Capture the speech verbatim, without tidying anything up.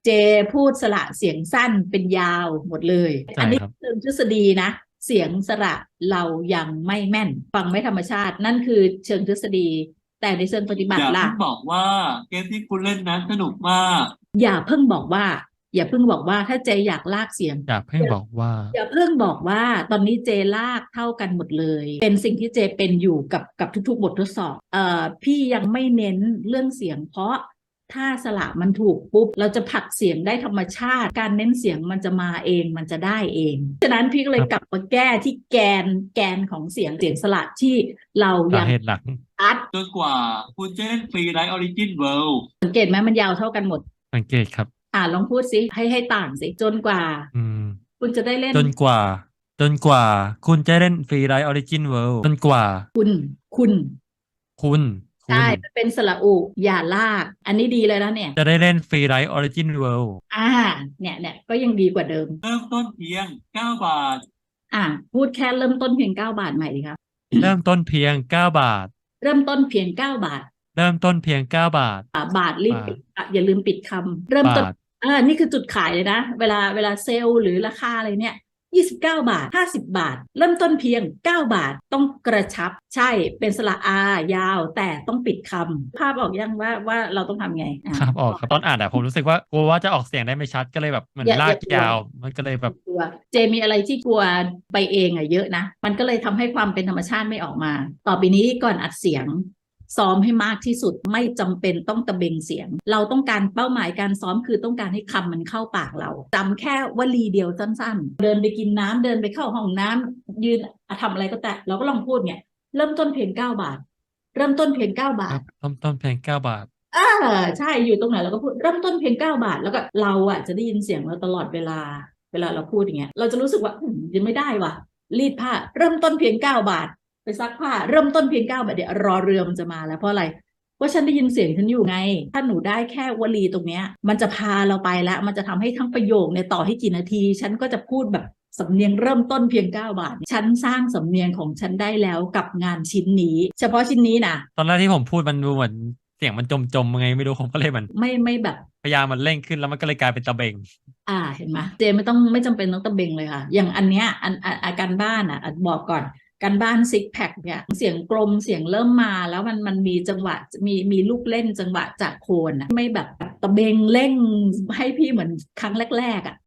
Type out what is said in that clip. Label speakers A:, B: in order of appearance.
A: เจพูดสระเสียงสั้นเป็นยาวหมดเลย
B: ใช่
A: อันนี้
B: ครับ
A: เชิงทฤษฎีนะเสียงสระเรายังไม่แม่นฟังไม่ธรรมชาตินั่นคือเชิงทฤษฎีแต่ในเชิงปฏิบัติล่ะ
C: อย่าเพิ่งบอกว่าเกมที่คุณเล่นนั้นสนุกมาก
A: อย่าเพิ่งบอกว่าอย่าเพิ่งบอกว่าถ้าเจอยากลากเสียง
B: อย่าเพิ่งบอกว่า
A: อย่าเพิ่งบอกว่าตอนนี้เจลากเท่ากันหมดเลยเป็นสิ่งที่เจเป็นอยู่กับกับทุกๆบททดสอบเอ่อพี่ยังไม่เน้นเรื่องเสียงเพราะถ้าสระมันถูกปุ๊บเราจะผลักเสียงได้ธรรมชาติการเน้นเสียงมันจะมาเองมันจะได้เองฉะนั้นพี่ก็เล
B: ครับ
A: ยกลับมาแก้ที่แกนแกนของเสียงเสียงสระที่เรา
B: สา
A: ยัง
B: เหตุหลัก
A: อัด
C: จนกว่าคุณจะเล่นฟรีไลท์ออริจินเวิลด์
A: สังเกตไหมมันยาวเท่ากันหมด
B: สังเกตครับ
A: อ่าลองพูดสิให้ให้ต่างสิจนกว่า
B: อืม
A: คุณจะได้เล่น
B: จนกว่าจนกว่าคุณจะเล่นฟรีไ i ท์ออริจินเวิลด์จนกว่า
A: คุณคุณ
B: คุณคุ
A: ใช่
B: ณ
A: มันเป็นสระอุอย่าลากอันนี้ดีเลยนะเนี่ย
B: จะได้เล่นฟรีไ i ท์ออริจินเวิลด์
A: อ่าเนี่ยเนี่ยก็ยังดีกว่าเดิม
C: เริ่มต้นเพียงเก้าบาท
A: อ่าพูดแค่เริ่มต้นเพียงเก้าบาทใหม่ดีครับ
B: เริ่มต้นเพียงเก้าบาท
A: เริ่มต้นเพียงเก้าบาท
B: เริ่มต้นเพียงเก้าบาท
A: อ่าบาทรีบ
B: บาท
A: ปิดอ่ะอย่าลืมปิดคำเริ่มต้น
B: บาท
A: อ่านี่คือจุดขายเลยนะเวลาเวลาเซลล์หรือราคาอะไรเนี่ยยี่สิบเก้าบาทห้าสิบบาทเริ่มต้นเพียงเก้าบาทต้องกระชับใช่เป็นสระอายาวแต่ต้องปิดคำภาพออกยังว่าว่าเราต้องทำไงอ่า
B: ครับออกครับตอนอ่านอ่ะผมรู้สึกว่ากลัวว่าจะออกเสียงได้ไม่ชัดก็เลยแบบเหมือน
A: อย่า
B: ลาก
A: อย่ากลัว
B: ยาวมันก็เลยแบบ
A: กลัวเจมีอะไรที่กลัวไปเองอะเยอะนะมันก็เลยทำให้ความเป็นธรรมชาติไม่ออกมาต่อไปนี้ก่อนอัดเสียงซ้อมให้มากที่สุดไม่จำเป็นต้องตะเบงเสียงเราต้องการเป้าหมายการซ้อมคือต้องการให้คำมันเข้าปากเราจำแค่วลีเดียวสั้นๆเดินไปกินน้ำเดินไปเข้าห้องน้ำยืนทำอะไรก็แต่เราก็ลองพูดเนี่ยเริ่มต้นเพียงเก้าบาทเริ่มต้นเพียงเก้าบาท
B: ครับเริ่มต้นเพียงเก้าบาท
A: อ่าใช่อยู่ตรงไหนเราก็พูดเริ่มต้นเพียงเก้าบาทแล้วก็เราอ่ะจะได้ยินเสียงเราตลอดเวลาเวลาเราพูดอย่างเงี้ยเราจะรู้สึกว่าอืมยังไม่ได้ว่ะรีดผ้าเริ่มต้นเพียงเก้าบาทไปซักผ้าเริ่มต้นเพียงเก้าบาทเดี๋ยวรอเรือมันจะมาแล้วเพราะอะไรเพราะฉันได้ยินเสียงฉันอยู่ไงถ้าหนูได้แค่วลีตรงเนี้ยมันจะพาเราไปแล้วมันจะทำให้ทั้งประโยคเนี่ยต่อให้กี่นาที ฉันก็จะพูดแบบสำเนียงเริ่มต้นเพียงเก้าบาทฉันสร้างสำเนียงของฉันได้แล้วกับงานชิ้นนี้เฉพาะชิ้นนี้นะ
B: ตอนแรกที่ผมพูดมันดูเหมือนเสียงมันจมจมยังไงไม่รู้ผมก็เลยเหมือน
A: ไม่ไม่แบบ
B: พยายามมันเร่งขึ้นแล้วมันก็เลยกลายเป็นตะเบง
A: อ่าเห็นไหมเจไม่ต้องไม่จำเป็นต้องตะเบงเลยค่ะอย่างอันเนี้ยอันอันอาการบ้านอ่ะอันบอกก่อนการบ้านซิกแพคเนี่ยเสียงกลมเสียงเริ่มมาแล้วมันมันมีจังหวะมีมีลูกเล่นจังหวะจากโคนอ่ะไม่แบบตะเบงเร่งให้พี่เหมือนครั้งแรกๆอ่ะ